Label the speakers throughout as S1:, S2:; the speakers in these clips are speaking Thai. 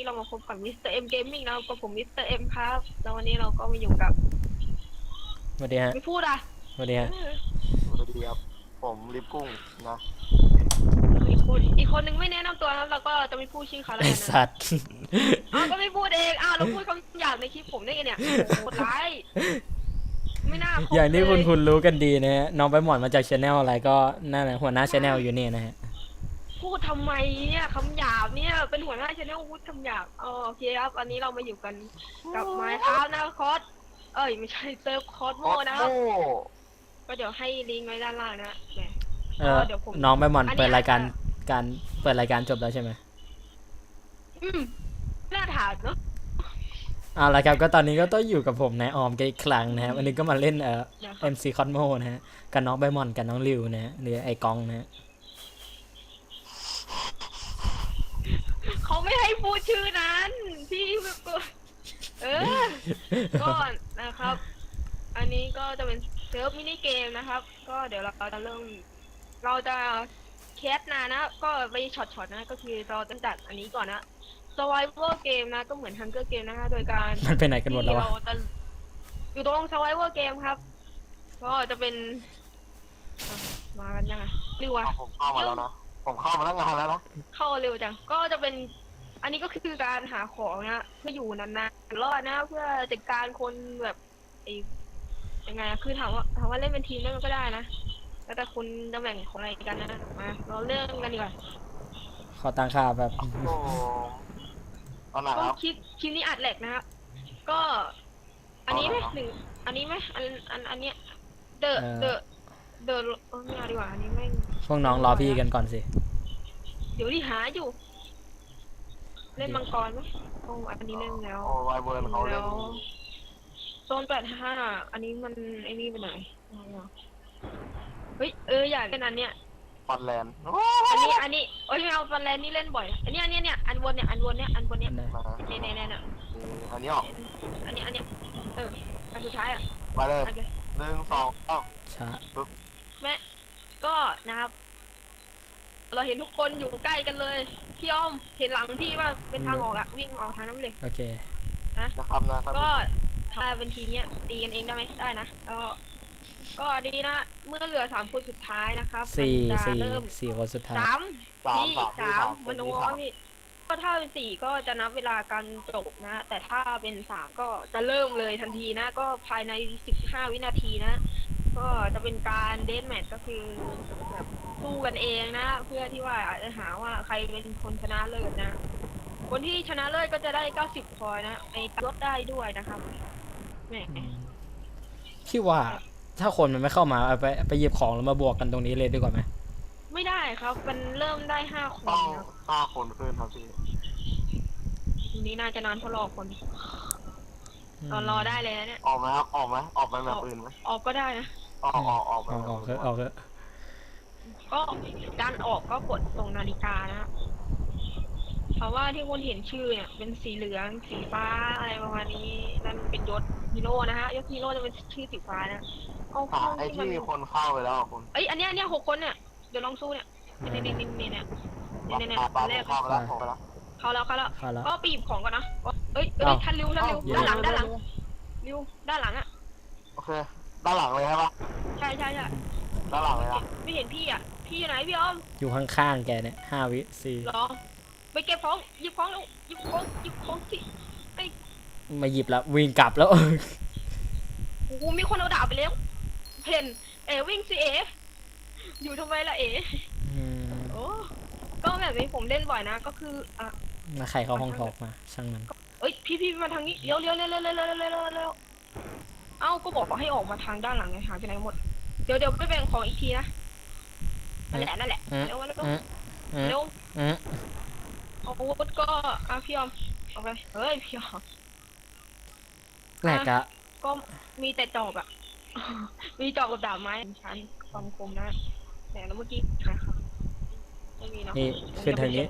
S1: เรามาพบกับมิสเตอร์เอ็มเกมมิ่งนะกับผมมิสเตอร์เอ็มครับแล้ววันนี้เราก็มาอยู่กับ
S2: สวัสดีฮะ
S1: ไม่พูดอ่ะ
S2: สวัสดีฮะ
S3: สวัสดีครับผมลิฟกุ้งนะ
S1: อีกคนนึงไม่แนะนำตัวนะเราก็จะไม่พูดชื่อเขาแล้ว
S2: ไอ
S1: กันนะ
S2: สัตว์
S1: อ้าวก็ไม่พูดเองอ้าวเราพูดคำหยาบในคลิปผมได้ไงเนี่ยโหดร้ายไม่น่าพูด
S2: อย่างที่
S1: เลย
S2: คุณรู้กันดีนะฮะน้องใบหมอนมาจากชาแนลอะไรก็นั่นแหละหัวหน้าชาแนลอยู่นี่นะฮะ
S1: พูดทำไมเนี่ยคำหยาบเนี่ยเป็นหัวหน้าชาแนลพูดคำหยาบโอเคครับอันนี้เรามาอยู่กันกับไมค์ครับนะคอสไม่ใช่เซิร์ฟคอสโมนะครับก็เดี๋ยวให้ลิงก์ไว้ด้านล่างนะแหม เดี๋ยวผม
S2: น้องใบหมอน
S1: อันนี้
S2: เปิดรายการ
S1: อาจจะ
S2: เปิดรายการจบแล้วใช่ไหม
S1: น่าถามเนาะ
S2: เอาละครับก็ตอนนี้ก็ต้องอยู่กับผมนายออมกันอีกครั้งนะฮะวันนี้ก็มาเล่นMC Cosmo นะฮะกับน้องใบหมอนกับน้องริวนะฮะหรือไอกองนะฮะ
S1: เขาไม่ให้พูดชื่อนั้นพี่ก็นะครับ อันนี้ก็จะเป็นเซิร์ฟมินิเกมนะครับ ก็เดี๋ยวเราจะเริ่มเราจะแคสนะก็ไปช็อตนะก็คือเราจะจัดอันนี้ก่อนนะ Survival เกมนะก็เหมือน Hunger Game นะคะโดยการ
S2: มันไปไหนกันหมดแล้ววะ
S1: เราจะอยู่ตรง Survival เกมครับก็จะเป็นมากันยังไงริวอะ
S3: ผมเข้ามาแล้วนะผมเข้ามาตั้งนานแล้วนะ
S1: เข้าเร็วจังก็จะเป็นอันนี้ก็คือการหาของนะเพื่ออยู่นานๆรอดนะเพื่อจัดการคนแบบยังไงคือถามว่าเล่นเป็นทีมได้มันก็ได้นะแล้วแต่คุณจะแบ่งของอะไรกันนะมาเราเริ่มกันดีกว่า
S2: ขอตังค่าแบบ
S3: โอ้ตอนไหน
S1: ก็
S3: ครับ
S1: คลิปนี้อัดแหลกนะครับก็อันนี้ไหมหนึ่งอันนี้ไหมอันเนี้ยเดอะไม่เอาดีกว่าอันนี้ไม่
S2: พวกน้องรอพี่กันก่อนสิ
S1: เดี๋ยวที่หาอยู่ เล่นมังกรไหมอันนี้เล่นแล้ว
S3: โอ้ไวเวิร์นเขาเล่น
S1: โซน85อันนี้มันไอ้นี่ไปไหนเฮ้ยอยากเล่นอันเนี้ย
S3: ฟอนแลนด์
S1: อันนี้ไม่เอาฟันแลนด์นี่เล่นบ่อยอันนี้อันบนเนี่ยเนี่ยเนี่ย
S2: อันไหน
S1: เนี่ย
S3: อันนี้ออก
S1: อันนี้อันสุดท้ายอ่ะ
S3: ไปเลย
S1: โอเค
S3: 1 2
S2: ช้า
S1: แม่ก็นะครับ เราเห็นทุกคนอยู่ใกล้กันเลยพี่อ้อมเห็นหลังพี่ว่าเป็นทางออกอะวิ่งออกทางนั้นเลย
S2: โอเค
S3: นะครับนะ
S1: ก็ถ้าเป็นทีมเนี้ยตีกันเองได้ไหมได้นะก็ดีนะเมื่อเหลือ3 คนสุดท้ายนะครับมันจะเริ่ม
S2: สี่คนสุดท้าย
S1: สามมันโอ้นี่ก็ถ้าเป็น4ก็จะนับเวลาการจบนะแต่ถ้าเป็น3ก็จะเริ่มเลยทันทีนะก็ภายใน15 วินาทีนะ ก็จะเป็นการเดธแมทก็คือแบบสู้กันเองนะเพื่อที่ว่าอาจจะหาว่าใครเป็นคนชนะเลิศนะคนที่ชนะเลิศก็จะได้90 พอยต์นะไอ้ลดได้ด้วยนะครับแหม
S2: คิดว่าถ้าคนมันไม่เข้ามาเอาไปหยิบของแล้วมาบวกกันตรงนี้เลยดีกว่าไหม
S1: ไม่ได้ครับมันเริ่มได้5 คน
S3: ต้อง
S1: ครับ
S3: 5 คนขึ้นครับพี่
S1: ทีนี้น่าจะนานเพราะรอคนรอได้เลยนะเนี่ย
S3: ออกไหมครับออกไปแบบอื่นไหม
S1: ออกก็ได้นะ
S3: ออกไป
S2: ออกเถอะออกเถอะ
S1: ก็การออกก็กดตรงนาฬิกานะเพราะว่าที่คุณเห็นชื่อเนี่ยเป็นสีเหลืองสีฟ้าอะไรประมาณนี้นั่นเป็นยศฮีโร่นะฮะยศฮีโร่จะเป็นชื่อสีฟ้านะเอาเข้า
S3: ไอ้
S1: ที่มัน
S3: ที่คนเข้าไปแล้วคุณ
S1: อันเนี้ย6 คนเนี่ยเดี๋ยวลองสู้เนี่ยเนี่ย
S3: ปา
S1: แรก
S3: เข้าไปแล้วผมไปแล้ว
S1: เข้าแล้ว
S2: เข้าแล้ว
S1: ก็ปีบของก่อนนะท่านริวด้านหลังริวด้านหลังอ่ะ
S3: โอเคด้านหลังเลยใช่ปะ
S1: ใช่
S3: ด้านหลังเลยนะ
S1: ไม่เห็นพี่อ่ะพี่อยู่ไหนพี่อ้อม
S2: อยู่ข้างๆแกเนี่ย5 วิ 4
S1: รอไปเก็บของหยิบของแล้วหยิบของสิ
S2: มาหยิบแล้ววิ่งกลับแล้ว
S1: โอ้โหมีคนเอาดาบไปแล้วเพนวิ่งสิอยู่ทำไมล่ะโอ้ก็แบบนี้ผมเล่นบ่อยนะก็คือ
S2: มาใครเข้าห้องทอกมาช่างมัน
S1: พี่มาทางนี้เร็วเอ้าก็บอกให้ออกมาทางด้านหลังไงหายไปไหนหมดเดี๋ยวไปแบ่งของอีกทีนะนั่นแหละเร็วอาวุธก็พี่ออมเอาไปเฮ้ยพี่ออม
S2: แรกอะ
S1: ก็มีแต่จอบอะ มีจอบกับดาบไม้ชั้นความคมนะแต่แล้วเมื่อกี้ครับไม่มีเนาะ
S2: นี่ขึ้นทางนี้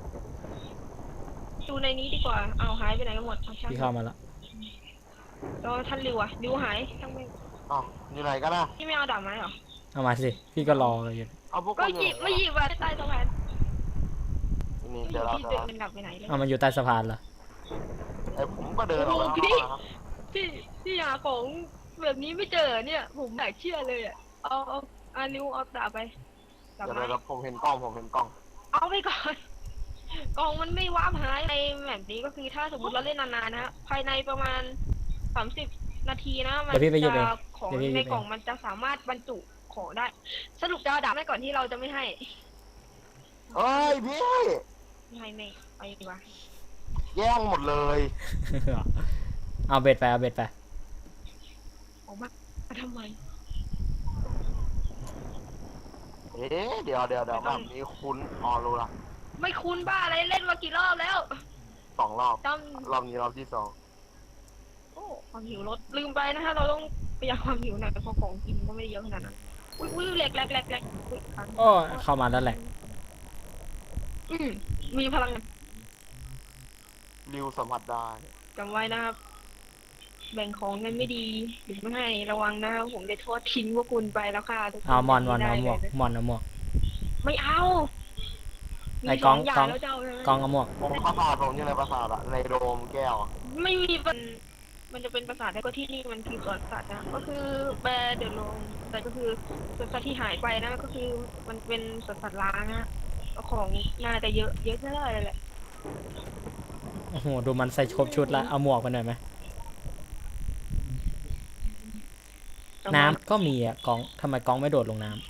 S1: ดูในนี้ดีกว่าเอาหายไปไหนกันหมดช่าง
S2: พี่เข้ามาแล้ว
S1: แล้วท่านริวอะริวหายช่างไม่
S3: อ๋ออยู่ไหนกันนะ
S1: พี่ไม่เอาดาบไม้เหรอ
S2: เอามาสิพี่ก็รออยู่
S3: เอาพวก
S1: ก็หยิบไม่หยิบอะใต้สะพาน
S3: นนี่
S1: ไม่
S3: เดี๋ยวเรา
S1: พี่
S3: จะ
S1: เดินเป็นดับไปไหนเลย
S2: เอามันอยู่ใต้สะพานเหรอ
S3: ไอ้ผมก็เดินออกไปข้างนอกนะครับ
S1: พี่หาของแบบนี้ไม่เจอเนี่ย ผมอยากเชื่อเลยอ่ะเอานิ้วเอาดาบไปดาบ
S3: เดี๋ยว
S1: ไม้
S3: เราผมเห็นกล้องผมเห็นกล้อง
S1: เอาไปก่อน กล่องมันไม่ว้าบหายในแบบนี้ก็คือถ้าสมมติเราเล่นนานๆนะภายในประมาณ30 นาทีนะมัน
S2: เดี๋ยวพี่ไปหยิบเอง
S1: จะของ
S2: เดี๋ยวพี่หยิบ
S1: ใน
S2: เอง
S1: กล่องมันจะสามารถบรรจุของได้ สรุปจะเอาดาบให้ก่อนที่เราจะไม่ให้
S3: เอ้ยพี่
S1: ไม่ให้ไม่เอาดีกว่า
S3: แย่งหมดเลย
S2: เอาเบ็ดไปเอาเบ็ดไป
S1: ออกมาทำไม
S3: เอ๊ะเดี๋ยวแบบนี้คุ้นอ๋อรู้ละ
S1: ไม่คุ้นบ้าอะไรเล่นมากี่รอบแล้ว
S3: 2 รอบ
S1: จ
S3: รอบนี้รอบที่ 2
S1: ำโอ้ความหิวลดลืมไปนะฮะเราต้องประหยัดความหิวหน่อยเพราะของกินก็ไม่ได้เยอะขนาดนั้นอุ้ยแหลกอุ๊ยค้าง
S2: โอ้เข้ามาแล้วแหละ
S1: มีพลังงาน
S3: ริวสัมผัสได้
S1: จำไว้นะครับ แบ่งของกันไม่ดีหรือไม่ให้ระวังนะครับผมจะโทษทิ้งพวกคุณไปแล้วค่ะทุกคน
S2: เอามอนเอาหมวก
S1: ไได้เลย
S2: มอนเอาหมวก
S1: ไม่เอา
S2: ไอ้
S1: มี
S2: กล้อง
S1: สอย่าง
S2: กล้อง
S1: แล้วจะเอาใช่ไหม
S2: กองเอาหมวก
S3: ผมปราสาทผมอยู่ในปราสาทอะในโดมแก้วอะ
S1: ไม่มีมันจะเป็นปราสาทแล้วก็ที่นี่มันคือสวนสัตว์นะก็คือแบร์เดอะโลงแต่ก็คือสวนสัตว์ที่หายไปนะก็คือมันเป็นสวนสัตว์ล้างนะของน่าจะเยอะแน่เลยแหละ
S2: โอ้โหดูมันใส่ครบชุดละเอาหมวกไปหน่อยไหมน้ำก็มีอ่ะกองทำไมกองไม่โดดลงน้ำ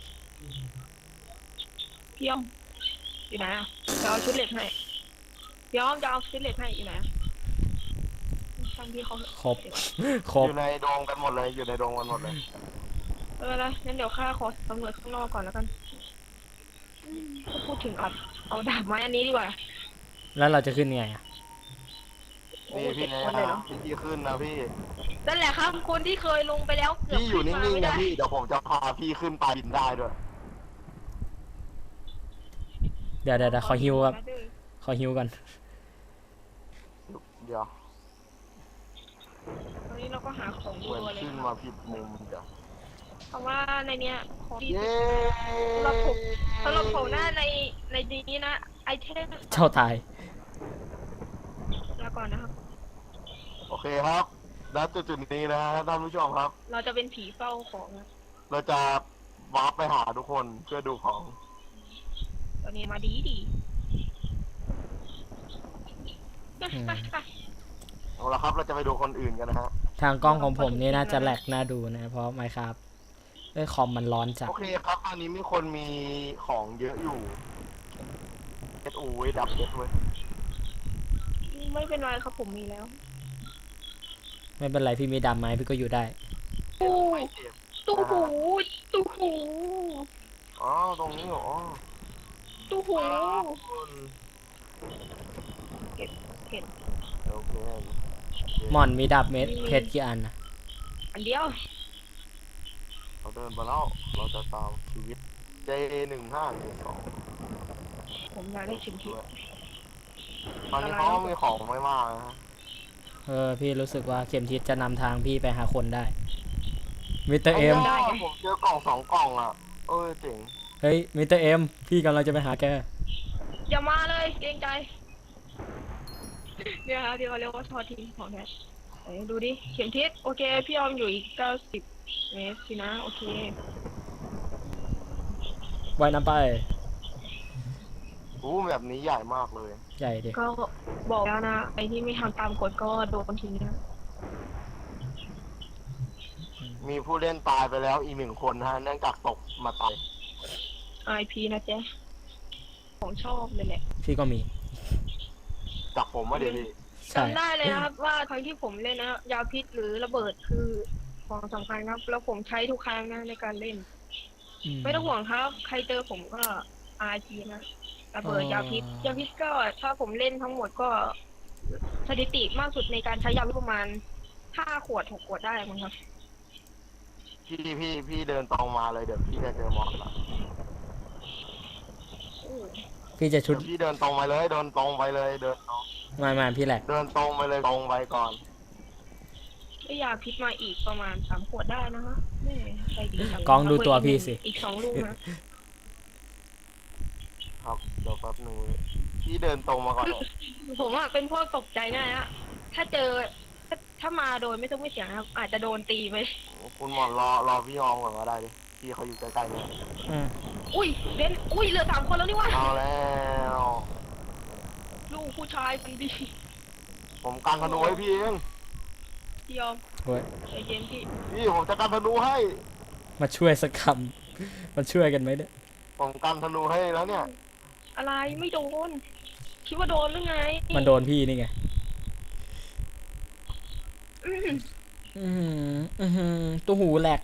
S1: พี่อ้อมอยู่ไหนอ่ะจะเอาชุดเหล็กให้พี่อ้อมจะเอาชุดเหล็กให้อยู่ไหนอะทำพี่เขา
S2: ครบ ครบ
S3: อยู่ในโดมกันหมดเลยอยู่ในโดมกันหมดเลย
S1: ละงั้นเดี๋ยวข้าขอสำรวจข้างนอกก่อนแล้วกันก็พูดถึงเอาดาบไม้อันนี้ดีกว่า
S2: แล้วเราจะขึ้นยังไงอ่ะ
S3: นี่พี่
S1: คนเลย
S3: นะ
S1: เนาะ
S3: พี่ขึ้นนะพี่
S1: นั่นแหละครับคนที่เคยลงไปแล้วเกือบ
S3: พี่อยู่
S1: ขึ้
S3: นิ่งๆ
S1: ไม่
S3: นะ
S1: ได้
S3: พี่เดี๋ยวผมจะพาพี่ขึ้นไปบินได้ด้วย
S2: เดี๋ยวขอฮิวครับขอฮิวกัน
S3: เดี๋ยว
S1: ตอนนี้เราก็หาของ
S3: เหมือน
S1: ตัวเลย
S3: ขึ้นมาผิดมุมเดี๋ยว
S1: เพราะว่าในเนี้ยของที่
S3: เย้
S1: สำหรับผมหน้าในนี้นะไอเทม
S2: เจ้าตาย
S1: แล้วก่อนนะครับ
S3: โอเคครับณจุดนี้นะฮะท่านผู้ชมครับ
S1: เราจะเป็นผีเฝ้าของนะ
S3: เราจะวาร์ปไปหาทุกคนเพื่อดูของ
S1: ตอนนี้มาดี
S3: เอาละครับเราจะไปดูคนอื่นกันนะฮะ
S2: ทางกล้องของผมนี่น่าจะแหลกน่าดูนะ เพราะไมครับคอมมันร้อนจัด
S3: โอเคครับตอนนี้มีคนมีของเยอะอยู่เอสอูไว้ดับเอสเว้ย
S1: ไม่เป็นไรครับผมมีแล้ว
S2: ไม่เป็นไรพี่มีดำไหมพี่ก็อยู่ได้
S1: ตู้
S3: ไม่เจ็บ
S1: ตู้หูตู้หู
S3: อ๋อตรงนี้เหรอ
S1: ตู้หู
S3: คน
S1: เก็บ
S3: โอเค
S2: หมอนมีดับเม็ดเพชรกี่อันนะ
S1: อันเดียว
S3: เราเดินมาแล้วเราจะตามชีวิต J1512
S1: ผมอยากได้ชิ้นที่
S3: ตอนนี้เขาก็มีของไม่มากนะฮะ
S2: พี่รู้สึกว่าเข็มทิศจะนำทางพี่ไปหาคนได้มิสเตอร์เอ็ม
S3: ผมเจอกล่อง2 กล่องอ่ะเอ้ยเจ๋ง
S2: เฮ้ยมิสเตอร์เอ็มพี่กำลังจะไปหาแก
S1: อย่ามาเลยเกรงใจเนี่ยครับที่เขาเรียกว่าทอทีของแท้ไหนดูดิเข็มทิศโอเคพี่ออมอยู่อีก90 เมตรสินะโอเค
S2: ว่ายน้ำไป
S3: อู้แบบนี้ใหญ่มากเลย
S2: ใหญ่ดิ
S1: ก็บอกแล้วนะไอ้ที่ไม่ทำตามกฎก็โดนทิ้งนะ
S3: มีผู้เล่นตายไปแล้วอีก1 คนฮะเนื่องจากตกมาตาย
S1: IP นะเจ๊ของชอบเลยแหละ
S2: พี่ก็มี
S3: จากผมว่าเดี๋ยวพี่
S2: ใช่
S1: จำได้เลยนะครับว่าครั้งที่ผมเล่นนะยาพิษหรือระเบิดคือของสำคัญครับ แล้วผมใช้ทุกครั้งนะในการเล่น ไม่ต้องห่วงครับ ใครเจอผมก็ RP นะระเบิดยาพิษก็ถ้าผมเล่นทั้งหมดก็สถิติมากสุดในการใช้ยาพิษประมาณ5 ขวด 6 ขวดได้มั้งครับ
S3: พี่เดินตรงมาเลยเดี๋ยวพี่จะเจอมอสละ
S2: พี่จะชุด
S3: เดี๋ยวพี่เดินตรงไปเลยเดินตรงไปเลยเดินตรง
S2: ไม่พี่แหลก
S3: เดินตรงไปเลยตรงไปก่อน
S1: ได้ยาพิษมาอีกประมาณ3 ขวดได้นะฮะแม่ใจดีจัง
S2: กล้องดูตัวพี่สิ
S1: อีก2 ลูกนะครับ
S3: เดี๋ยวแป๊บนึงพี่เดินตรงมาก่อน
S1: ผมอะเป็นพวกตกใจง่ายนะถ้าเจอถ้ามาโดยไม่ต้องไม่เสียงนะครับอาจจะโดนตีไป
S3: คุณหมอนรอพี่ออมก่อนก็ได้ดิพี่เขาอยู่ใกล้ๆเนี่ย
S2: อืม
S1: อุ้ยเบนอุ้ยเหลือ3 คนแล้วนี่วะ
S3: เอาแล้ว
S1: ลูกผู้ชายคนดี
S3: ผมกันธนูให้พี่เอง
S1: พี่ยอม
S2: โอ้ย
S1: ใจเย็นพี่
S3: พี่ผมจะกันธนูให้
S2: มาช่วยสักคำมาช่วยกันไหมเนี่ย
S3: ผมกันธนูให้แล้วเนี่ย
S1: อะไรไม่โดนคิดว่าโดนหรือไง
S2: มันโดนพี่นี่ไง
S1: อื้อหือ
S2: ตัวหูแหลก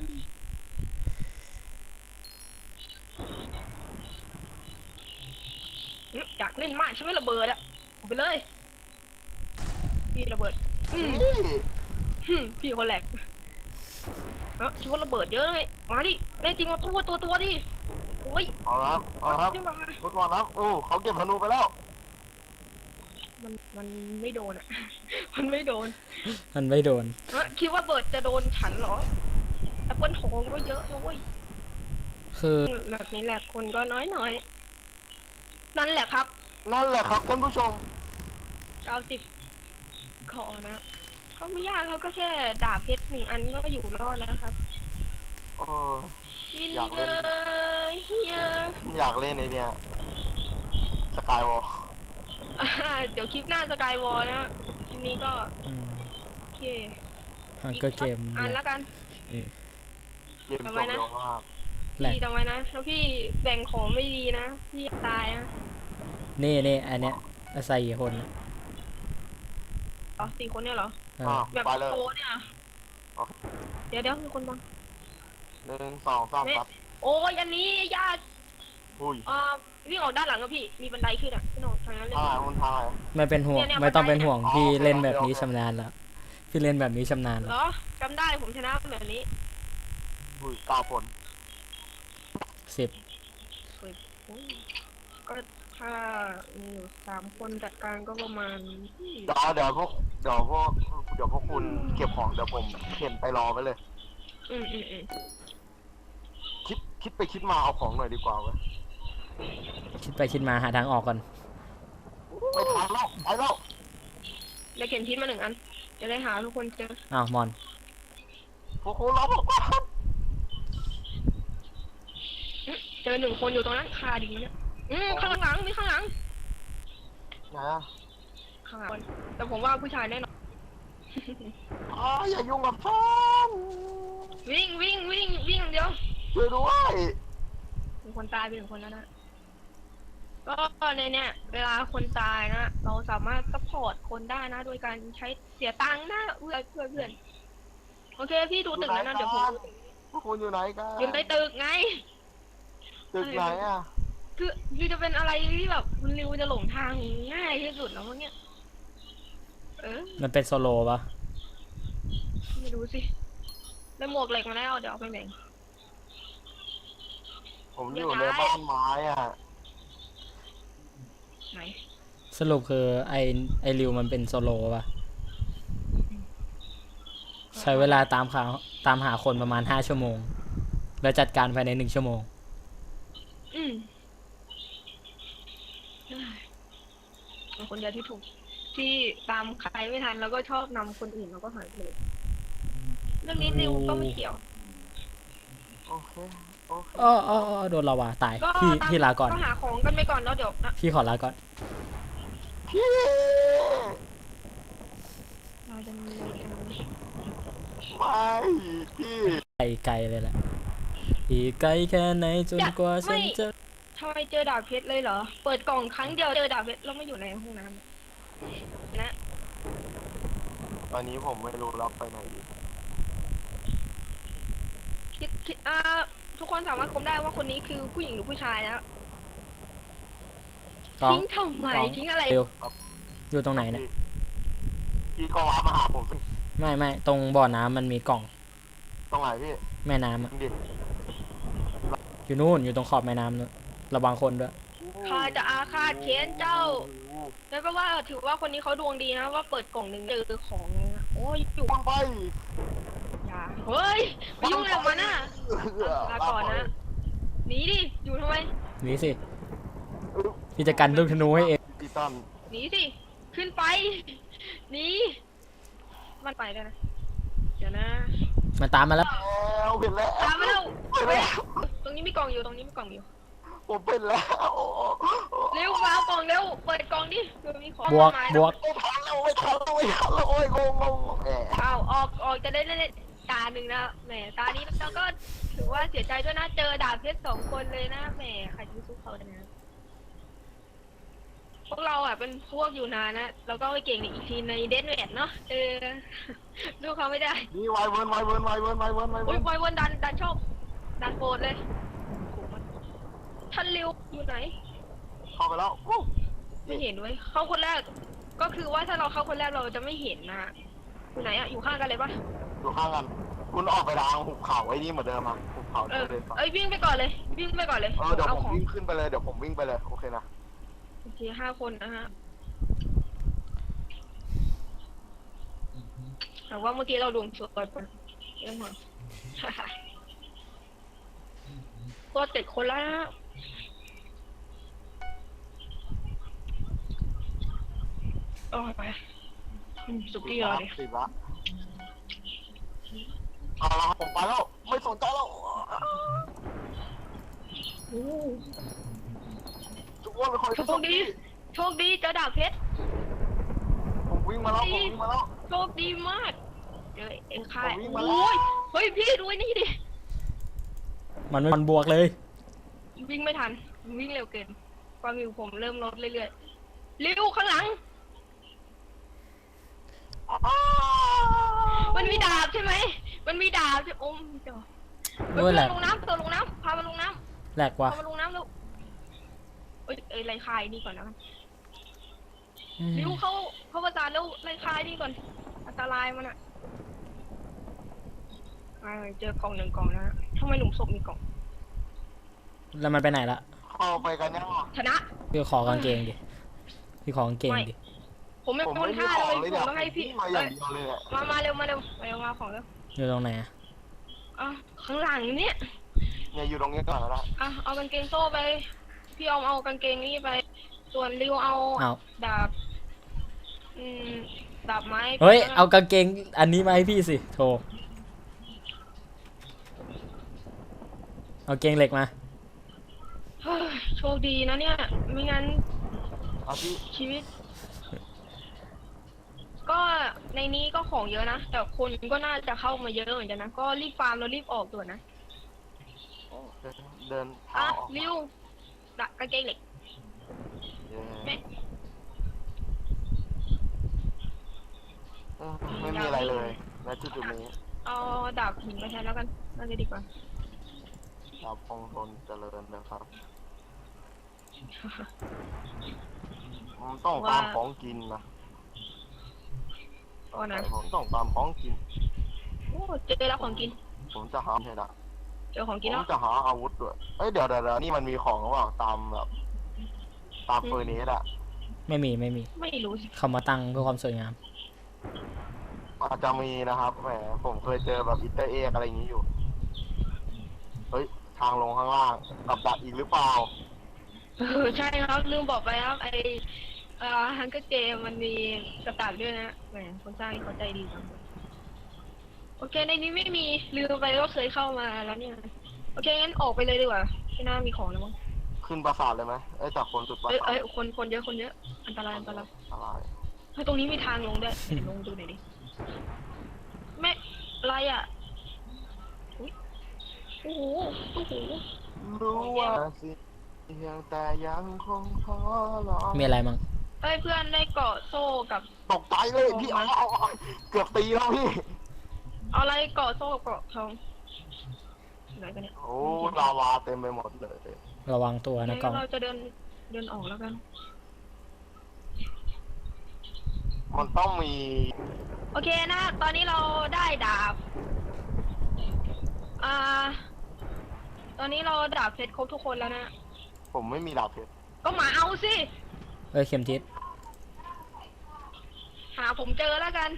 S1: อยากเล่นมากใช่ไหมระเบิดอะเอาไปเลยพี่ระเบิด
S3: พี่
S1: พี่คนแหลกคิดว่าระเบิดเยอะเลยมาดิแน่จริงมาตัวดิโอ้ย
S3: เอาละเอาละครับ
S1: เดี๋ยวมา
S3: รถก่อนนะโอ้เขาเก็บธนูไปแล้ว
S1: มันไม่โดนอะ มันไม่โดน
S2: มันไม่โดน
S1: คิดว่าเบิร์ดจะโดนฉันเหรอแอปเปิลทองก็เยอะนะเว้ย
S2: คือ
S1: แบบนี้แหละคนก็น้อยนั่นแหละครับ
S3: นั่นแหละครับท่านผู้ชม
S1: 90 ขอนะก็ไม่ยากเขาก็แค่ดาบเพชร1 อันก็อยู่รอดแล้วครับ
S3: เออ
S1: ยิน
S3: อยาก
S1: เล
S3: เล่น
S1: ยเฮีย
S3: อยากเล่นไอ้เนี่ยสกายวอล
S1: เดี๋ยวคลิปหน้าสกายวอลนะคลิปนี้ก็
S2: อืม
S1: โอเค
S2: มันก็เกม
S1: อันแล้วกัน
S3: เกมจบเร็วมาก
S2: แหลก
S1: พี่ทำไว้นะแล้วพี่แบ่งของไม่ดีนะพี่ตายนะ
S2: นี่อันเนี้ยอาศัยกี่คนนะ
S1: อ๋อ4 คนเนี่ยเหรอ
S2: เออ
S3: อ่ะ
S1: แบบ
S3: ไปเลย
S1: โตเนี่ยเหรอ
S3: โอเค
S1: เดี๋ยวมีคนบัง
S3: 1 2 3ครับ
S1: โอ้ยอันนี้ญาติ
S3: อุ้ย
S1: วิ่งออกด้านหลังอะพี่มีบันไดขึ้นอะพี่โหนดทางนั้นเลย
S3: ถ่ายมันถ่าย
S2: ไม่เป็นห่วง
S1: เนี่ย
S2: ไม่ต้องเป็นห่วง
S3: อ๋อ
S2: พี่
S3: โอเค
S2: เล่นแบบ
S3: โอเค
S2: นี้ชำนาญแล้ว พี่เล่นแบบนี้ชำนาญ
S1: เห
S2: แล้
S1: ร
S2: ว
S1: อจำได้ผมชนะแบบนี้
S3: อุ้ย9 คน
S2: 10
S1: อุ้ยก็ถ้ามีอยู่3 คนจัดการก็ประมาณ
S3: เดี๋ยวพวกคุณเก็บของเดี๋ยวผมเข็นไปรอไว้เลย
S1: อืม
S3: คิดไปคิดมาเอาของหน่อยดีกว่าเว้ย
S2: คิดไปคิดมาหาทางออกก่อน
S3: ไม่ทันแล้วไปแล้ว
S1: เดี๋ยวเขียนพิษมา1 อันจะได้หาทุกคนเจอ
S2: อ้าวมอน
S3: พวกคุณรอผมก่อน
S1: เจอ1 คนอยู่ตรงนั้นคาดิ่งเนี่ยข้างหลังมีข้างหลัง
S3: ไหนอะ
S1: ข้างหลังแต่ผมว่าผู้ชายแน่นอน
S3: อย่ายุ่งกับฉัน
S1: วิ่งเดี๋ยว
S3: ช่วยด้วย
S1: มีคนตายไป1 คนแล้วนะก็ในเนี่ยเวลาคนตายนะเราสามารถซัพพอร์ตคนได้นะโดยการใช้เสียตังค์นะเพื่อนโอเคพี่ดูตึกนั้นนะเดี๋ยวผมดู
S3: พวกคุณอยู่ไหนกัน
S1: อยู่ในตึกไง
S3: ตึกไหนอะ
S1: คือจะเป็นอะไรที่แบบคุณริวจะหลงทางง่ายที่สุดแล้วมั้งเนี่ย
S2: มันเป็นโซโลปะ
S1: ไม่รู้สิได้หมวกเหล็กมาแล้วเดี๋ยวเอาไปแบ่ง
S3: ผมอยู่ในบ้านไม้อะ
S1: ไหน
S2: สรุปคือไอริวมันเป็นโซโลปะใช้เวลาตามหาคนประมาณ5 ชั่วโมง แล้วจัดการภายใน1 ชั่วโมง
S1: เป็นคนเดียวที่ถูกที่ตามใครไม่ทันแล้วก็ชอบนำคนอื่นแล้วก็หายไปเลยเรื่องนี้ริวก็ไม่เกี่ยว
S3: โอเค
S2: โดนลาวาตาย
S1: ก็
S2: พี่ลาก่อน
S1: ก็หาของกันไปก่อนแล้วเดี๋ยวนะ
S2: พี่ขอลาก่อน
S3: พี่
S1: เราจะมีอะไรกัน
S3: ไม่พี่
S2: ไกลเลยแหละอีกไกลแค่ไหนจนกว่าฉันจะ
S1: ทำไมเจอดาบเพชรเลยเหรอเปิดกล่องครั้งเดียวเจอดาบเพชรแล้วไม่อยู่ในห้องน้ำนะ
S3: ตอนนี้ผมไม่รู้รับไปไหนดี
S1: คิดทุกคนสามารถคมได้ว่าคนนี้คือผู้หญิงหรือผู้ชายนะ
S2: กล้อง
S1: ทิ้งทำไมทิ้งอะไร
S2: เร็วอยู่ตรงไหนเนี่ย
S3: พี่ก็ว้ามาหาผมสิ
S2: ไม่ตรงบ่อน้ำมันมีกล่อง
S3: ตรงไหนพี่
S2: แม่น้ำอะ
S3: ดิ
S2: อยู่นู่นอยู่ตรงขอบแม่น้ำนู่นระวังคนด้วย
S1: ข้าจะอาฆาตเค้นเจ้าแล้วก็ว่าถือว่าคนนี้เขาดวงดีนะว่าเปิดกล่องหนึ่งเจอของเลยนะโอ้ยอยู่
S3: ปังไป
S1: อย่าเฮ้ยไปยุ่งอะไรกับมันน่ะลาก่อนนะหนีดิอยู่ทำไม
S2: นี่สิพี่จะกันลูกธนูให้เอง
S3: ปิดตัน
S1: หนีสิ ขึ้นไป หนี มันไปแล้วนะ เดี๋ยวนะ
S2: มันตามมาแล้ว
S3: แล้วเป็นแล้ว
S1: ตามมาแล้ว
S3: เป็น
S1: เฮ้ย
S3: แล้ว
S1: ตรงนี้มีกล่องอยู่ ตรงนี้มีกล่องอยู่
S3: ผมเป็นแล้ว
S1: เร็วมาเอากล่องเร็ว เปิดกล่องดิเดี๋ยวมีของ
S2: บวก
S1: มาก
S2: บวก
S3: ไม่ทันแล้วไม่ทันแล้วไม่ทันแล้วโอ้ยงงแหม
S1: เอาออกจะได้เล่นตาหนึ่งนะ แหม ตานี้เราก็ถือว่าเสียใจด้วยนะ เจอดาบเพชร2 คนเลยนะ แหม ใครจะไปสู้เขาได้นะ พวกเราอ่ะเป็นพวกอยู่นานนะ เราก็ไปเก่งในอีกทีในเดนเวทเนาะ ดูเขาไม่ได้
S3: นี่ไวเวิร์น
S1: อุ้ยไววันดันชอบดันโปรดเลยท่านริวอยู่ไหน
S3: เข้าไปแล้ววู้
S1: ไม่เห็นเว้ยเข้าคนแรก ก็คือว่าถ้าเราเข้าคนแรกเราจะไม่เห็นนะอยู่ไหนอะอยู่ข้างกันเลยปะ
S3: อยู่ข้างกันคุณออกไปทางหุบเขาไอ้นี่เหมือนเดิมอ่ะหุบเขา
S1: เออ
S3: เดินไป
S1: เอ้ยวิ่งไปก่อนเลย วิ่งไปก่อนเลย
S3: เดี๋ยว
S1: เอา
S3: ผม
S1: ของ
S3: วิ่งขึ้นไปเลยเดี๋ยวผมวิ่งไปเลยโอเคนะ
S1: โอเค5 คนนะฮะแต่ว่าเมื่อกี้เราดวงสวยไปเรื่องหัว ตัว7 คนแล้วนะโอ้ยไปสุกี้รอดิ
S3: สิบละเอาละผมไปแล้วไม่สนใจแล้ว
S1: โอ้
S3: ทุกคนไปคอย
S1: โชคดีโชคดีเจอดาบเพชร
S3: ผมวิ่งมาแล้ว
S1: โชคดีมากเจอเอ็งค่าย
S3: ผมวิ่งมาแล้ว
S1: โอ้ยเฮ้ยพี่ดูไอ้นี่ดิ
S2: มันบวกเลย
S1: วิ่งไม่ทันวิ่งเร็วเกินความหิวผมเริ่มลดเรื่อยๆเร็วข้างหลัง มันมีดาบใช่ไหมมันมีดาบใช่โอ้มเจ้า
S2: โอ้ยแหลก
S1: ลงน้ำตัวลงน้ำพามันลงน้ำ
S2: แหลกว่ะ
S1: พามันลงน้ำแล้วเอ้ยไล่คายนี่ก่อนนะ
S2: อืม
S1: ริวเข้าประจานแล้วไล่คายนี่ก่อนอันตรายมันอะเจอกล่อง1 กล่องนะทำไมหลุมศพมีกล่อง
S2: แล้วมันไปไหนละ
S3: เข้าไปกันยัง
S1: ชนะ
S2: พี่ขอกางเกงดิพี่ขอกางเกงดิ
S1: ผมไม่
S3: ผม
S1: ต้น
S3: ไม่มี
S1: ท่า
S3: ของ
S1: เล
S3: เลย ย
S1: ผ
S3: เนี่ย
S1: มต้องให้พี่
S3: มาอย่างเดียวเลยเนี่ย
S1: มาเร็วมาของเร็ว
S2: อยู่ตรงไหนอะ
S1: อ่ะข้างหลังเนี่ย
S3: เนี่ยอยู่ตรงนี้ก่อนแล้ว
S1: อ่ะเอากางเกงโซ่ไปพี่ออมเอากางเกงนี่ไป ส่วนริวเอา
S2: เอา
S1: ดาบดาบไม้
S2: เฮ้ยเอากางเกงอันนี้มาให้พี่สิโถเอาเกงเหล็กมา
S1: เฮ้ยโชคดีนะเนี่ยไม่งั้น
S3: เอาพี่
S1: ชีวิต ก็ในนี้ก็ของเยอะนะแต่คนก็น่าจะเข้ามาเยอะเหมือนกันนะก็รีบฟาร์มแล้วรีบออกด่วนนะ
S3: เดิน
S1: อ่ะ
S3: เท้าออก
S1: ริวดาบกางเกงเหล็ก
S3: ไม่มีอะไรเลยณจุดนี้
S1: เอาดาบหินมาแทนแล้วกันน่าจะดีกว่า
S3: ดาบคงทนเจริญนะครับผมต้องตามของกินนะ
S1: ก็นะ
S3: ผมต้องตามของกิน
S1: โอ้เจอแล้วของกิน
S3: ผมจะหาให้ได้
S1: เจอของ
S3: ผ
S1: กิน
S3: ม
S1: แล้ว
S3: จะหาอาวุธด้วยเอ้ยเดี๋ยวนี่มันมีของหรือเปล่าตามแบบตามเฟอร์เนสอะ
S2: ไม่มี
S1: ไม่รู้สิ
S2: เขามาตั้งเพื่อความสวยงาม
S3: อาจจะมีนะครับแหมผมเคยเจอแบบอินเตอร์เอกอะไรอย่างนี้อยู่เฮ้ยทางลงข้างล่างกับดักอีกหรือเปล่า
S1: ใช่ครับลืมบอกไปครับไอฮังเกอร์เกมมันมีกระต่ายด้วยนะแหมคนสร้างเขาใจดีจังโอเคในนี้ไม่มีลืมไปว่าเคยเข้ามาแล้วเนี่ยโอเคงั้นออกไปเลยดีกว่าไม่น่ามีของแล้วมั้ง
S3: ขึ้นปราสาทเลยไหมจากคนจุดปราสาท
S1: คนเยอะอันตราย
S3: อะไร
S1: เฮ้ยตรงนี้มีทางลงด้วยลงดูหน่อยดิแม่อะไรอ่ะอุ๊ยโอ้โห
S3: รู้ว่าสิเพียงแต่ยังคงขอรอ
S2: มีอะไรมั้ง
S1: เอ้ยเพื่อนได้เกาะโซ่กับ
S3: ตกใจเลยพี่เอาเกือบตีแล้วพี่
S1: เอาอะไรเกาะโซ่กับเกาะทองไหนกันเนี่ย
S3: โอ้ลาวาเต็มไปหมดเลย
S2: ระวังตัวนะกล้อง
S1: เราจะเดินออกแล้วกัน
S3: มันต้องมี
S1: โอเคนะ ตอนนี้เราได้ดาบ ตอนนี้เราดาบเพชรครบทุกคนแล้วนะ
S3: ผมไม่มีดาบเพชร
S1: ก็มาเอาสิ
S2: เอ้ยเข็มทิศ
S1: หาผมเจอแล้วกัน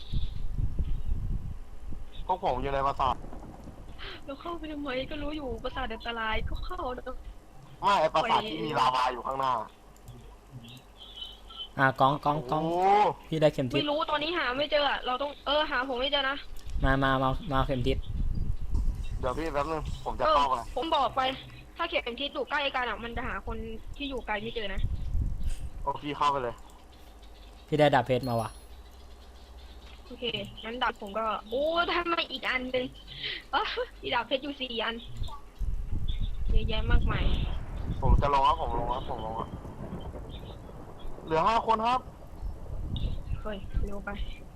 S3: พวกผมอยู่ในปราสาท
S1: เราเข้าไปทำไมก็รู้อยู่ปราสาทอันตรายก็เข้าแล้ว
S3: ไม่ไอปราสาทที่มีลาวาอยู่ข้างหน้า
S2: กองกองก
S3: โอ้
S2: อง
S3: โห
S2: พี่ได้เข็มทิศ
S1: ไม่รู้ตอนนี้หาไม่เจออะเราต้องหาผมไม่เจอนะ
S2: มาเข็มทิศ
S3: เดี๋ยวพี่แป๊บนึงผมจะ
S1: เออ
S3: เข้าไป
S1: ผมบอกไป ถ้าเข็มทิศอยู่ใกล้กันอะมันจะหาคนที่อยู่ไกลไม่เจอนะ
S3: โอ้พี่เข้าไปเลย
S2: พี่ได้ดาบเพชรมาว่ะ
S1: โอเคงั้นดาบผมก็โอ้ทำไมอีกอันหนึ่งอีดาบเพชรอยู่4 อันเยอะแยะมากมาย
S3: ผมจะลงครับผมลงครับเหลือ5 คนครับ
S1: เฮ้ยเร็วไป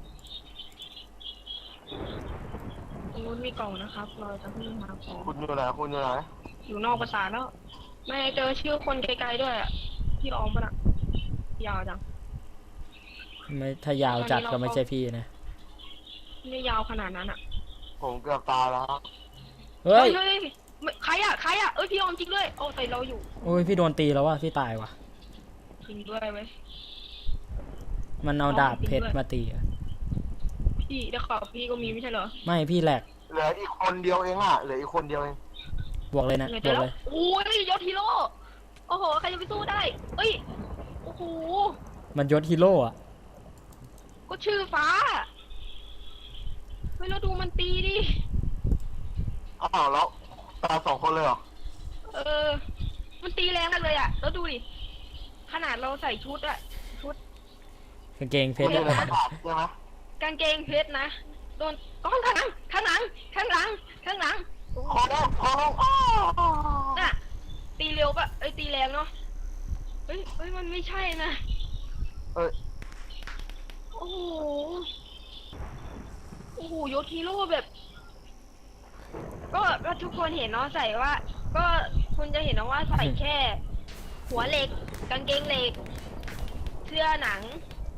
S1: ตรงนู้นมีกล่องนะครับ เราจะเพิ่งหาของ
S3: คุณอยู่ไหน
S1: อยู่นอกปราสาทแล้ว ไม่เจอชื่อคนไกลๆด้วยอะพี่ออมปะน่ะยาวจัง
S2: ไม่ถ้ายาวจัดก็ไม่ใช่พี่นะ
S1: ไม่ยาวขนาดนั้นอะ
S3: ผมเกือบตายแล้วครับ
S2: เฮ้ย
S1: เฮ้ยใครอะเอ้ยพี่ออมจริงด้วยโอ้แต่เราอยู่
S2: โอ้ยพี่โดนตีแล้วว่ะพี่ตายว่ะ
S1: จริงด้วยเว้ย
S2: มันเอาดาบเพชรมาตีอะ
S1: พี่ได้ข่าวพี่ก็มีไม่ใช่เหรอ
S2: ไม่พี่แหลก
S3: เหลืออีกคนเดียวเองอ่ะเหลืออีกคนเดียวเอง
S2: บวกเลยนะ
S1: ไง
S2: บ
S1: เจ
S2: ว
S1: อก แล้ว
S2: เลย
S1: โอ้ยยศฮีโร่โอ้โหใครจะไปสู้ได้เอ้ยโอ้โห
S2: มันยศฮีโร่อะ
S1: ก็ชื่อฟ้าเฮ้ยเราดูมันตีดิ
S3: อ้าวแล้วตาย2 คนเลยเหรอ
S1: มันตีแรงมากเลยอะแล้วดูดิขนาดเราใส่ชุดอะ
S2: กางเกงเพ
S3: คุ
S2: ช
S3: ณ
S2: ร
S3: อยู่ใน
S2: อะ
S3: ปราสาทใช่ไหม
S1: กางเกงเพชรนะโดนก้อนข้างหลังข้างหลังโอ้โห
S3: ขอลงอ้าว
S1: น่ะตีเร็วปะเอ้ยตีแรงเนาะเฮ้ยมันไม่ใช่นะ
S3: เอ้ย
S1: โอ้โหยศฮีโร่แบบ ก็ทุกคนเห็นเนาะใส่ว่า ก็คุณจะเห็นนะว่าใส่แค่ หัวเหล็ก กางเกงเหล็ก เสื้อหนัง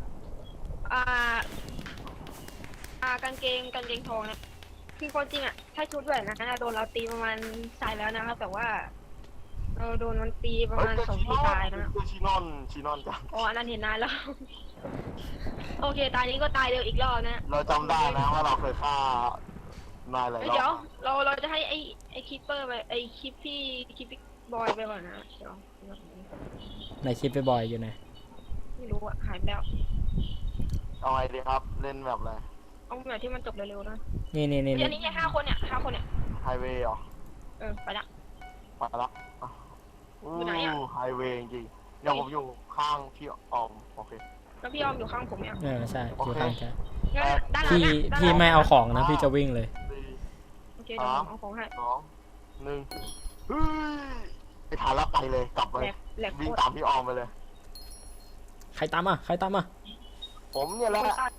S1: กางเกงทองนะคือความจริงอะถ้าชุดแบบนั้นนะโดนเราตีประมาณตายแล้วนะครับแต่ว่า เราโดนมันตีประมาณ2 ทีตายนะ
S3: ชินอนจ้ะ
S1: อ๋ออันนั้นเห็นนานแล้ว โอเคตายนี้ก็ตายเร็วอีกรอบนะ
S3: เราจำได้นะว่าเราเคยฆ่านายหลายร
S1: เดี๋ย
S3: อ
S1: ว
S3: บ
S1: เราจะให้ไอ้คิปเปอร์ไปไอ้คิปพี่บอยไปก่อนนะเดี๋ยว
S2: ในคลิปไปบ่อยอยู่นะ
S1: ไม่รู้อะหายไปแล้ว
S3: เอาไงดีครับเล่นแบบอะไร
S1: เอาแบบที่มันจบเร็วๆนะ
S2: นี่
S1: เดี๋ยวนี้5 คนเนี่ย
S3: ไฮเวย์เหรอ
S1: ไปละ
S3: ไปละอ่ะ
S1: อยู่ไหนอะ
S3: ไฮเวย์จริงๆเดี๋ยวผมอยู่ข้างพี่ออมโอเค
S1: แล้วพี่ออมอยู่ข้างผมเนี่ย
S2: ใช่อยู่ข้างแค่
S1: งั้นด้านหลัง
S2: พี่
S1: เนี่ยด้านหลัง
S2: พี่ไม่เอาของนะพี่จะวิ่งเลย
S3: 4
S1: โอเคเดี๋ยวผมเอาของให้
S3: 2 1เฮ้ยไปทานแล้วไปเลยกลับไป
S1: แหลกโค
S3: วิ่ง
S1: ตร
S3: ตามพี่ออมไปเลย
S2: ใครตามมา
S3: ผมเนี่ยแหละ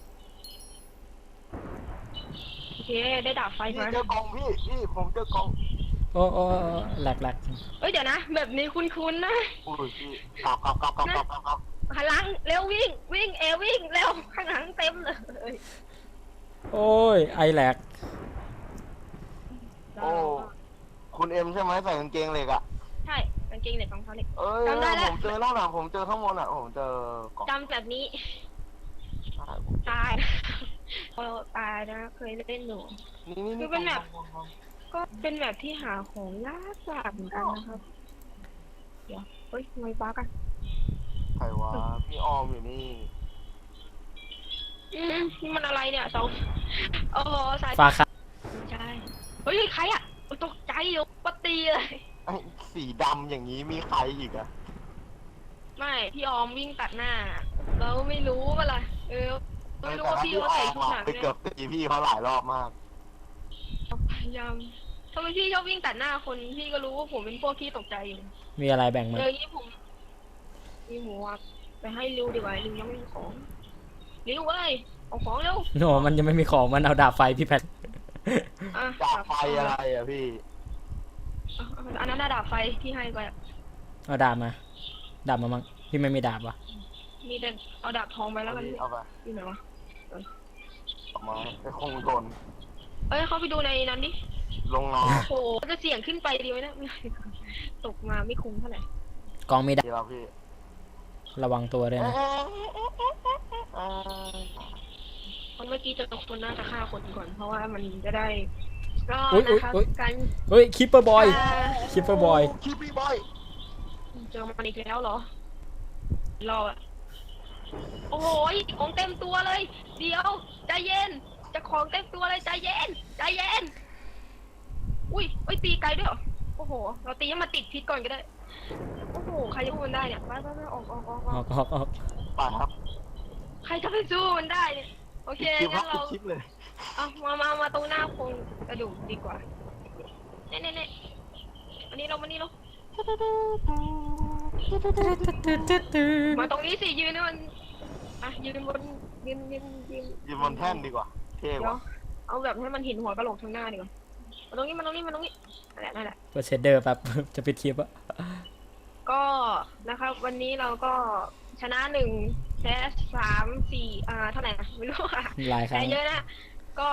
S1: โอเคได้ดาบไฟ
S3: พี่
S1: มา
S3: เจอกองพี่ผมเจอกอง
S2: โอ้แหลก
S1: เอ้ยเดี๋ยวนะ แบบนี้คุ้นๆนะ
S3: อุ้ยพี่กลับ
S1: หันหลังเร็ววิ่งวิ่งเร็วข้างหลังเต็มเลย
S2: โอ้ยไอแหลก
S3: โอ้คุณเอ็มใช่ไหมใส่กางเกงเหล็กอ่ะ
S1: ใช่กางเกงเหล็กรองเท้าเหล็ก
S3: เอ้ย
S1: จำได้แล้ว
S3: ผมเจอแล้วนะผมเจอข้างบนอ่ะผมเจอกล่อง
S1: จำแบบนี้ตายเราตายนะเคยเล่นอยู่
S3: นี่
S1: คือเป็นแบบ ก็เป็นแบบที่หาของยากเหมือนกันนะครับเดี๋ยวเฮ้ยทำไมบ้ากัน
S3: ใครวะพี่ออมอยู่นี่
S1: นี่มันอะไรเนี่ยเสาโอ้โหสาย
S2: ฟ้าค่ะ
S1: ใช่เฮ้ยใครอ่ะตกใจอยู่ปตีเลย
S3: ไอ้สีดำอย่างนี้มีใครอีกอ่ะ
S1: ไม่พี่ออมวิ่งตัดหน้า เราไม่รู้ว่าอะไรไม่รู้ว่าพี่เขาใส่ชุดหนัง
S3: ไป
S1: เนี่ย
S3: เกือบตีพี่เขาหลายรอบมาก
S1: พยายามทำไมพี่ชอบวิ่งตัดหน้าคนพี่ก็รู้ว่าผมเป็นพวกที่ตกใจอยู่
S2: มีอะไรแบ่งมา
S1: นี่ผมมีหมูอ่ะไปให้ริวดีกว่าริวยังไม่มีของริวเว้ยเอาของเร็ว
S2: โนมันยังไม่มีของมันเอาดาบไฟพี่แพท
S1: อ่ะ
S3: จากไฟอะไรอ่ะพี่
S1: อันนั้นน่ะดาบไฟที่ให้ไปอะ
S2: เอาดาบมามั่งพี่ไม่มีดาบวะ
S1: มีแต่เอาดาบทองไปแล้วกัน
S3: เอาไป
S1: อยู่ไหนวะ
S3: ออกมาไปคงโดน
S1: เอ้ยเขาไปดูในนั้นดิ
S3: ลงน้
S1: โอ้โหจะเสี่ยงขึ้นไปดีไหมนะตกมาไม่คุ้มเท่าไหร่
S2: กองมี
S3: ำ
S2: ดาบ
S3: ดีแล้วพี่
S2: ระวังตัวด้วยนะ
S1: คนเมื่อกี้เจอคนน่าจะฆ่าคนก่อนเพราะว่ามันจะได้รอด
S2: อุ๊ย
S1: นะครับ
S2: อุ๊ย
S1: การ
S2: เฮ้ยคิปเปอร์บอยคิปเปอร์บอย
S3: คิปปี้บอย
S1: เจอมันอีกแล้วเหรอรออะโอ้โหของเต็มตัวเลย เดี๋ยวใจเย็น จะของเต็มตัวเลยใจเย็นใจเย็น อุ้ยตีไกลด้วยเหรอ โอ้โห เราตีให้มันติดพิษก่อนก็ได้ โอ้โห ใครจะสู้มันได้เนี่ยไปออก
S3: ไปครับ
S1: ใครจะไปสู้มันได้เนี่ย โอเค
S3: คลิปครั
S1: งั้
S3: บ
S1: นเรา
S3: คลิปเลย
S1: เอามาตรงหน้าโครงกระดูกดีกว่าเน่อันนี้เรามานี่เรามาตรงนี้สิยืนให้มันยืนบนยืน
S3: ยืนบนแท่นดีกว่า เท่
S1: เดี๋ยว
S3: ว่ะ
S1: เอาแบบให้มันเห็นหัวกระโหลกทางหน้าดีกว่ามาตรงนี้นั่นแหละ
S2: เปิดเชดเดอร์แบบ จะปิดคลิปอะ
S1: ก็นะครับวันนี้เราก็ชนะ1แพ้3 4เท่าไหร่นะไม่รู้อะ
S2: หลายครั้
S1: แพ้
S2: ง
S1: เยอะนะก็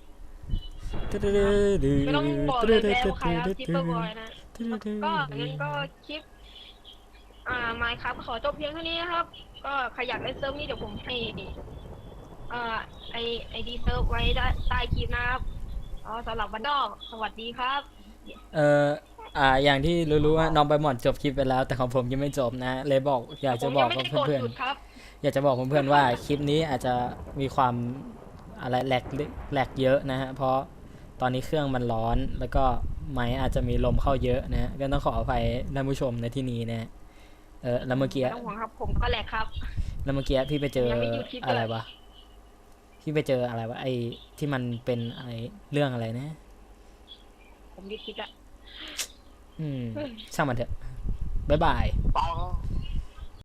S1: ไม่ต้องบอกเลยแพ้ว่าใครครับจิปเปอร์บอยนะก็งั้นก็คลิปมาครับขอจบเพียงเท่านี้นะครับ ก็ใครอยากเล่นเซิร์ฟนี้เดี๋ยวผมให้ไอดีเซิร์ฟไว้ใต้คลิปนะครับสำหรับวันนอกสวัสดีครับ
S2: อย่างที่รู้ๆว่าน้องใบหมอนจบคลิปไปแล้ว แต่ของผมยังไม่จบนะ เลยบอกอยากจะบอก
S1: ผมยังไม่ได้
S2: เพื่อน
S1: กดหยุดครับ
S2: ๆอยากจะบอกเพื่อนๆว่าคลิปนี้อาจจะมีความอะไรแหลกเยอะนะฮะเพราะตอนนี้เครื่องมันร้อนแล้วก็ไมค์อาจจะมีลมเข้าเยอะนะฮะก็ต้องขออภัยท่านผู้ชมในที่นี้นะแล้วเมื่อกี้
S1: ไม่ต้องห่วงครับผมก็แหลกครับ
S2: แล้วเมื่อกี้พี่ไปเจอ
S1: ยังไม่หยุดคลิปเลย
S2: อะไรวะพี่ไปเจออะไรวะไอ้ที่มันเป็นอะไรเรื่องอะไรนะ
S1: ผมหยุดคลิปละ
S2: ช่างมันเถอะบ๊ายบาย
S3: ไปครับ